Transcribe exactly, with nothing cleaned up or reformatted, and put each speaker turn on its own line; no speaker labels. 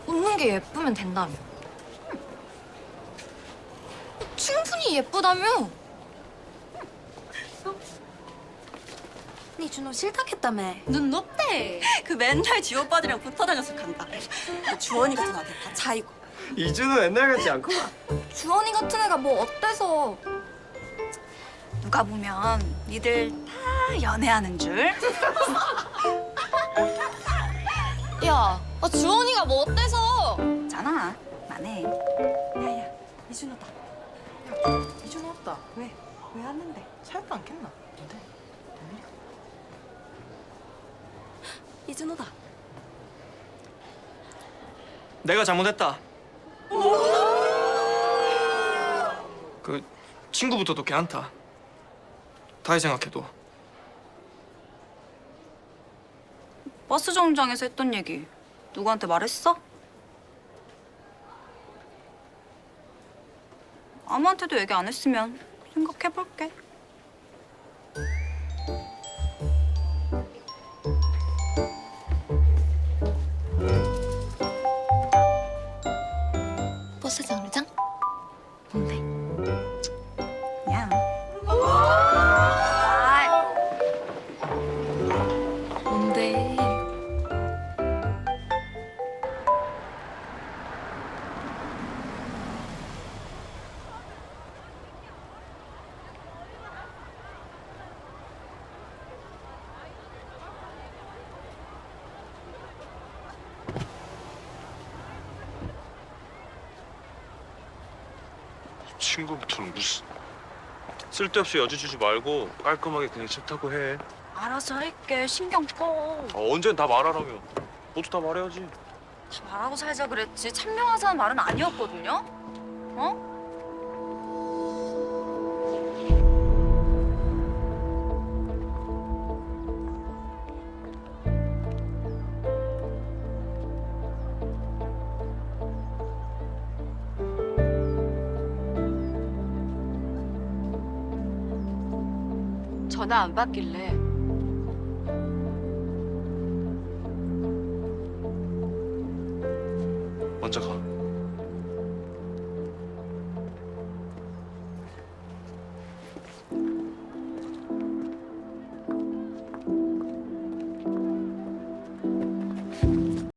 웃는 게 예쁘면 된다며. 충분히 예쁘다며.
니 준호 싫다했다며.
눈 높대.
그 맨날 지호 오빠들이랑 붙어 다녀서 간다. 그 주원이 같은 아들 다 차이고.
이준호 옛날 같지 않구만.
주원이 같은 애가 뭐 어때서?
누가 보면 니들 다 연애하는 줄.
야, 아, 주원이가 뭐 어때서?
잖아. 만해. 야야, 이준호다.
이준호 왔다.
왜? 왜 왔는데?
차였도 않겠나? 뭔데? 뭔 일이야?
이준호다.
내가 잘못했다. 그 친구부터도 괜찮다. 다시 생각해도.
버스 정류장에서 했던 얘기 누구한테 말했어? 아무한테도 얘기 안 했으면 생각해볼게.
버스 정류장? 뭔데?
야.
뭔데?
친구부터는 무슨 쓸데없이 여지 주지 말고 깔끔하게 그냥 차 타고 해.
알아서 할게. 신경 꺼.
아, 언젠 다 말하라며. 모두 다 말해야지.
다 말하고 살자 그랬지. 참명하자는 말은 아니었거든요. 어?
전화 안 받길래.
먼저 가.